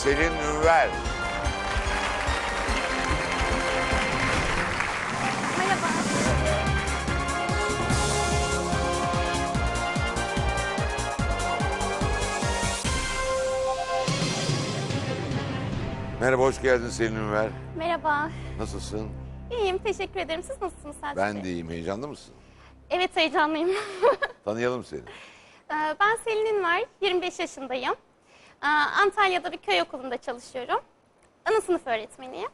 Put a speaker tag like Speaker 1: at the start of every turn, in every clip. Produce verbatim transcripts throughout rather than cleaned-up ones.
Speaker 1: Selin Ünver.
Speaker 2: Merhaba.
Speaker 1: Merhaba, hoş geldin Selin Ünver.
Speaker 2: Merhaba.
Speaker 1: Nasılsın?
Speaker 2: İyiyim, teşekkür ederim. Siz nasılsınız Selçuk
Speaker 1: Ben
Speaker 2: Bey?
Speaker 1: de iyiyim. Heyecanlı mısın?
Speaker 2: Evet, heyecanlıyım.
Speaker 1: Tanıyalım seni.
Speaker 2: Ee, ben Selin Ünver, yirmi beş yaşındayım. Ee, Antalya'da bir köy okulunda çalışıyorum. Ana sınıf öğretmeniyim.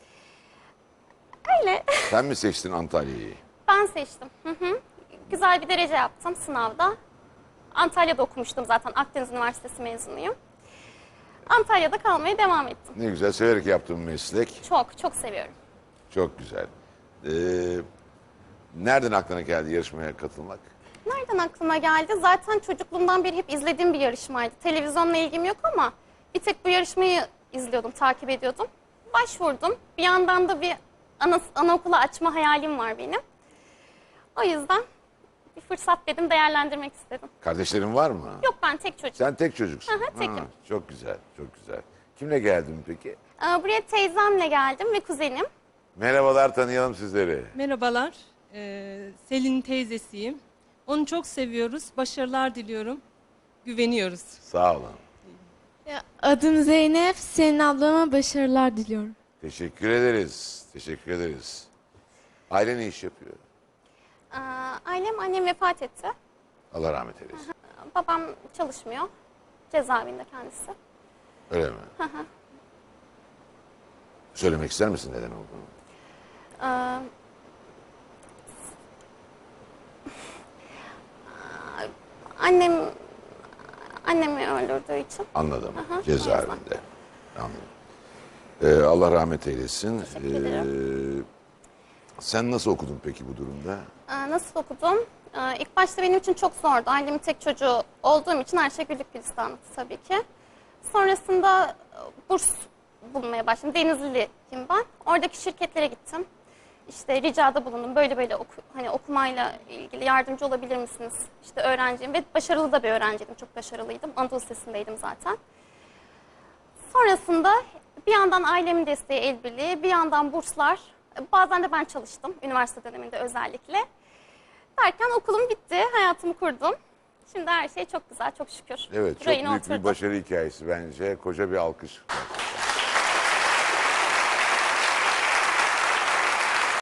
Speaker 2: Öyle.
Speaker 1: Sen mi seçtin Antalya'yı?
Speaker 2: Ben seçtim. Hı hı. Güzel bir derece yaptım sınavda. Antalya'da okumuştum zaten. Akdeniz Üniversitesi mezunuyum. Antalya'da kalmaya devam ettim.
Speaker 1: Ne güzel, severek yaptığın meslek.
Speaker 2: Çok, çok seviyorum.
Speaker 1: Çok güzel. Ee, nereden aklına geldi yarışmaya katılmak?
Speaker 2: Nereden aklıma geldi? Zaten çocukluğumdan beri hep izlediğim bir yarışmaydı. Televizyonla ilgim yok ama bir tek bu yarışmayı izliyordum, takip ediyordum. Başvurdum. Bir yandan da bir ana, anaokulu açma hayalim var benim. O yüzden bir fırsat dedim, değerlendirmek istedim.
Speaker 1: Kardeşlerin var mı?
Speaker 2: Yok, ben tek çocuk.
Speaker 1: Sen tek çocuksun.
Speaker 2: Hı hı, tekim.
Speaker 1: Ha, çok güzel, çok güzel. Kimle geldin peki?
Speaker 2: Ee, Buraya teyzemle geldim ve kuzenim.
Speaker 1: Merhabalar, tanıyalım sizleri.
Speaker 3: Merhabalar, ee, Selin'in teyzesiyim. Onu çok seviyoruz, başarılar diliyorum, güveniyoruz.
Speaker 1: Sağ olun.
Speaker 4: Ya, adım Zeynep, senin ablama başarılar diliyorum.
Speaker 1: Teşekkür ederiz. Teşekkür ederiz. Aile ne iş yapıyor?
Speaker 2: Ee, Ailem, annem vefat etti.
Speaker 1: Allah rahmet eylesin.
Speaker 2: Babam çalışmıyor. Cezaevinde kendisi.
Speaker 1: Öyle mi? Söylemek ister misin neden olduğunu?
Speaker 2: Ee, Annem annemi öldürdüğü için.
Speaker 1: Anladım.
Speaker 2: Aha,
Speaker 1: Cezaevinde. Anladım. Ee, Allah rahmet eylesin.
Speaker 2: Teşekkür ederim.
Speaker 1: Ee, sen nasıl okudun peki bu durumda?
Speaker 2: Ee, Nasıl okudum? Ee, İlk başta benim için çok zordu. Ailemin tek çocuğu olduğum için her şey güllük gülistanlıktı tabii ki. Sonrasında e, burs bulmaya başladım. Denizliliyim ben. Oradaki şirketlere gittim. İşte ricada bulundum. Böyle böyle oku, hani okumayla ilgili yardımcı olabilir misiniz? İşte öğrenciyim ve başarılı da bir öğrenciydim. Çok başarılıydım. Anadolu Lisesi'ndeydim zaten. Sonrasında bir yandan ailemin desteği, el birliği, bir yandan burslar. Bazen de ben çalıştım üniversite döneminde özellikle. Derken okulum bitti, hayatımı kurdum. Şimdi her şey çok güzel, çok şükür.
Speaker 1: Evet, çok
Speaker 2: Rayına
Speaker 1: büyük bir
Speaker 2: oturdu.
Speaker 1: başarı hikayesi bence. Koca bir alkış.